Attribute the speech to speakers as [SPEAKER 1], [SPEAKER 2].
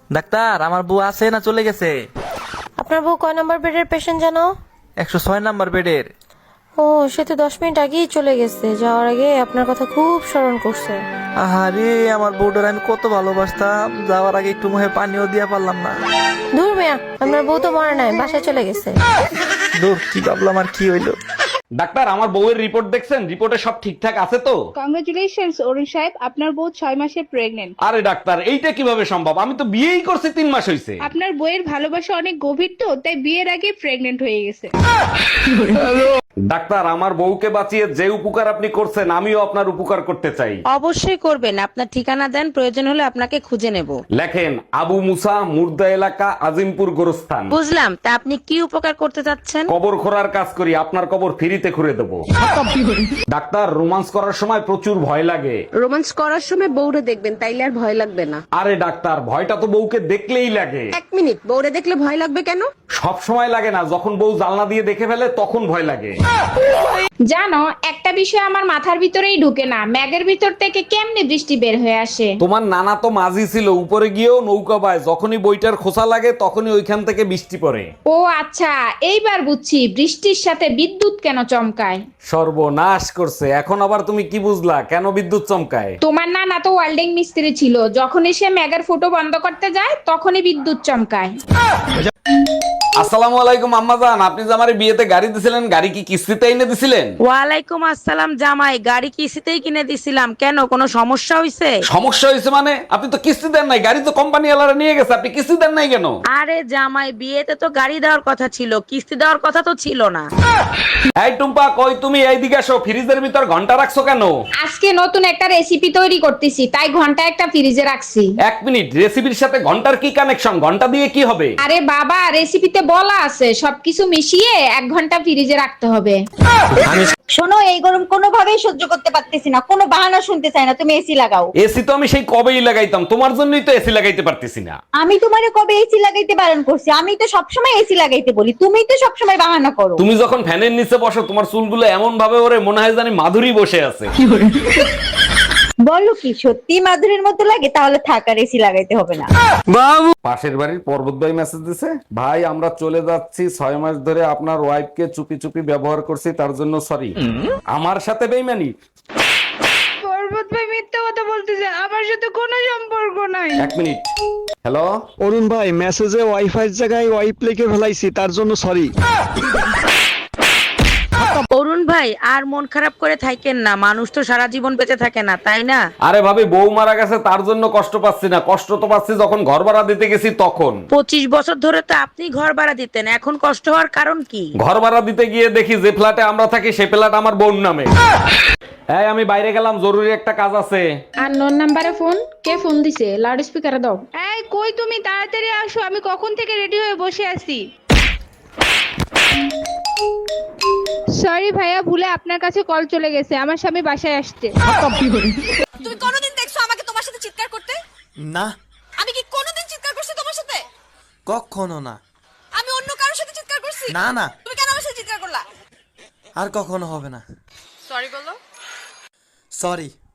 [SPEAKER 1] Doctor, আমার বউ আছে না চলে গেছে?
[SPEAKER 2] আপনার বউ কয় নম্বর বেডের পেশেন্ট জানো?
[SPEAKER 1] 106 নাম্বার বেডের।
[SPEAKER 2] ও, সে তো 10 মিনিট আগেই চলে গেছে। যাওয়ার আগে আপনার কথা খুব স্মরণ করছে।
[SPEAKER 1] আহারে, আমার বউটার আমি কত ভালোবাসতাম, যাওয়ার আগে একটু মুখে পানিও দিয়া পারলাম না।
[SPEAKER 2] দূর মিয়া, আপনার বউ তো মরে নাই, বাসায় চলে গেছে।
[SPEAKER 1] দূর, কি ভাবলাম আর কি হইলো।
[SPEAKER 3] ডাক্তার, আমার বউয়ের রিপোর্ট দেখছেন? রিপোর্টে সব ঠিকঠাক আছে তো?
[SPEAKER 4] কংগ্রেচুলেশনস অরুণ সাহেব, আপনার বউ 6 মাসে প্রেগনেন্ট।
[SPEAKER 3] আরে ডাক্তার, এইটা কিভাবে সম্ভব? আমি তো বিয়েই করছি 3 মাস হইছে।
[SPEAKER 4] আপনার বইয়ের ভালোবাসা অনেক গভীর তো, তাই বিয়ের আগে প্রেগনেন্ট হয়ে গেছে।
[SPEAKER 3] ডাক্তার, আমার বউকে বাঁচিয়ে যে উপকার আপনি করছেন, আমিও আপনার উপকার করতে চাই।
[SPEAKER 5] অবশ্যই করবেন। আপনার ঠিকানা দেন, প্রয়োজন হলে আপনাকে খুঁজে নেব।
[SPEAKER 3] লেখেন, আবু মুসা, মুর্দা এলাকা, আজিমপুর গোরস্থান।
[SPEAKER 5] বুঝলাম, তা আপনি কি উপকার করতে চাচ্ছেন?
[SPEAKER 3] কবর খোঁড়ার কাজ করি, আপনার কবর ফ্রিতে খুঁড়ে দেবো। ডাক্তার, রোমান্স করার সময় প্রচুর ভয় লাগে।
[SPEAKER 5] রোমান্স করার সময় বউরে দেখবেন, তাইলে আর ভয় লাগবে না।
[SPEAKER 3] আরে ডাক্তার, ভয়টা তো বউকে দেখলেই লাগে।
[SPEAKER 5] 1 মিনিট, বউরে দেখলে ভয় লাগবে কেন?
[SPEAKER 3] সব সময় লাগে না, যখন বউ জানলা দিয়ে দেখে ফেলে তখন ভয় লাগে।
[SPEAKER 6] জানো, একটা বিষয় আমার মাথার ভিতরেই ঢুকে না, ম্যাগের ভিতর থেকে কেমনে বৃষ্টি বের হয়ে আসে?
[SPEAKER 3] তোমার নানা তো মাঝি ছিল, উপরে গিয়েও নৌকা পায়, যখনই বইটার খোসা লাগে তখনই ওইখান থেকে বৃষ্টি পড়ে।
[SPEAKER 6] ও আচ্ছা, এইবার বুঝছি বৃষ্টির সাথে বিদ্যুৎ কেন চমকায়।
[SPEAKER 3] সর্বনাশ করছে, এখন আবার তুমি কি বুঝলা কেন বিদ্যুৎ চমকায়?
[SPEAKER 6] তোমার নানা তো ওয়েল্ডিং মিস্ত্রি ছিল, যখনই সে ম্যাগের ফুটো বন্ধ করতে যায় তখনই বিদ্যুৎ চমকায়।
[SPEAKER 3] আসসালামু আলাইকুম আম্মাজান, আপনি যে আমার বিয়েতে গাড়ি দিছিলেন, গাড়ি কি কিস্তিতে এনে দিছিলেন?
[SPEAKER 5] ওয়ালাইকুম আসসালাম জামাই, গাড়ি কিস্তিতেই কিনে দিছিলাম। কেন, কোনো সমস্যা হয়েছে?
[SPEAKER 3] সমস্যা হয়েছে মানে? আপনি তো কিস্তি দেন নাই, গাড়ি তো কোম্পানি ওয়ালারা নিয়ে গেছে, আপনি কিস্তি দেন নাই কেন?
[SPEAKER 5] আরে জামাই, বিয়েতে তো গাড়ি দেওয়ার কথা ছিল, কিস্তি দেওয়ার কথা তো ছিল না।
[SPEAKER 3] এই টুম্পা, কই তুমি? এইদিকে আসো। ফ্রিজের ভিতর ঘন্টা রাখছো কেন?
[SPEAKER 6] আজকে নতুন একটা রেসিপি তৈরি করতেছি, তাই ঘন্টা একটা ফ্রিজে রাখছি।
[SPEAKER 3] 1 মিনিট, রেসিপির সাথে ঘন্টার কি কানেকশন? ঘন্টা দিয়ে কি হবে?
[SPEAKER 6] আরে বাবা, রেসিপিতে বলা আছে সবকিছু মিশিয়ে 1 ঘন্টা ফ্রিজে রাখতে হবে।
[SPEAKER 7] শোনো, এই গরম কোনোভাবেই সহ্য করতে পারতেছি না, কোনো বাহানা শুনতে চাই না, তুমি এসি লাগাও।
[SPEAKER 3] এসি তো আমি সেই কবেই লাগাইতাম, তোমার জন্যই তো এসি লাগাইতে পারতেছি না।
[SPEAKER 7] আমি তোমারে কবে এসি লাগাইতে বারণ করছি? আমি তো সবসময় এসি লাগাইতে বলি, তুমি তো সবসময় বাহানা করো।
[SPEAKER 3] তুমি যখন ফ্যানের নিচে বসো, তোমার চুলগুলো এমন ভাবে ওরে মনে হয় জানি মাধুরী বসে আছে।
[SPEAKER 7] বলো কি সত্যি মাধুরীর মতো লাগে? তাহলে থাক, আর এসি লাগাইতে হবে না।
[SPEAKER 3] পাশের বাড়ির পর্বত ভাই মেসেজ দিছে, ভাই আমরা চলে যাচ্ছি, 6 মাস ধরে আপনার ওয়াইফকে চুপি চুপি ব্যবহার করছি, তার জন্য সরি। আমার সাথে বেইমানি?
[SPEAKER 4] পর্বত ভাই মিথ্যা কথা বলতেছে, আমার সাথে কোনো সম্পর্ক নাই।
[SPEAKER 3] 1 মিনিট। হ্যালো
[SPEAKER 8] অরুণ ভাই, মেসেজে ওয়াইফাই জায়গায় ওয়াইপ লিখে ফেলাইছি, তার জন্য সরি।
[SPEAKER 5] অরুণ ভাই, আর মন খারাপ করে থাকেন না, মানুষ তো সারা জীবন বেঁচে থাকে না, তাই না?
[SPEAKER 3] আরে ভাবি, বউ মারা গেছে তার জন্য কষ্ট পাচ্ছি না, কষ্ট তো পাচ্ছি যখন ঘর ভাড়া দিতে গেছি তখন।
[SPEAKER 5] 25 বছর ধরে তো আপনি ঘর ভাড়া দিতেন, এখন কষ্ট হওয়ার কারণ কি?
[SPEAKER 3] ঘর ভাড়া দিতে গিয়ে দেখি যে ফ্ল্যাটে আমরা থাকি সে ফ্ল্যাট আমার বোন নামে। এই আমি বাইরে গেলাম, জরুরি একটা কাজ আছে।
[SPEAKER 6] আর নোন নাম্বারে ফোন, কে ফোন দিছে? লাউড স্পিকারে দাও।
[SPEAKER 4] এই কই তুমি, তাড়াতাড়ি আসো, আমি কখন থেকে রেডি হয়ে বসে আছি। সরি ভাইয়া, ভুলে আপনার কাছে কল চলে গেছে, আমার স্বামী বাসায় আসছে।
[SPEAKER 9] তুমি কোনোদিন দেখছো আমাকে তোমার সাথে চিৎকার করতে?
[SPEAKER 1] না,
[SPEAKER 9] আমি কি কোনোদিন চিৎকার করছি তোমার সাথে?
[SPEAKER 1] কখনো না।
[SPEAKER 9] আমি অন্য কারোর সাথে চিৎকার করছি?
[SPEAKER 1] না না,
[SPEAKER 9] তুমি কেন আমার সাথে চিৎকার করলা?
[SPEAKER 1] আর কখনো হবে না।
[SPEAKER 9] সরি বলো।
[SPEAKER 1] সরি।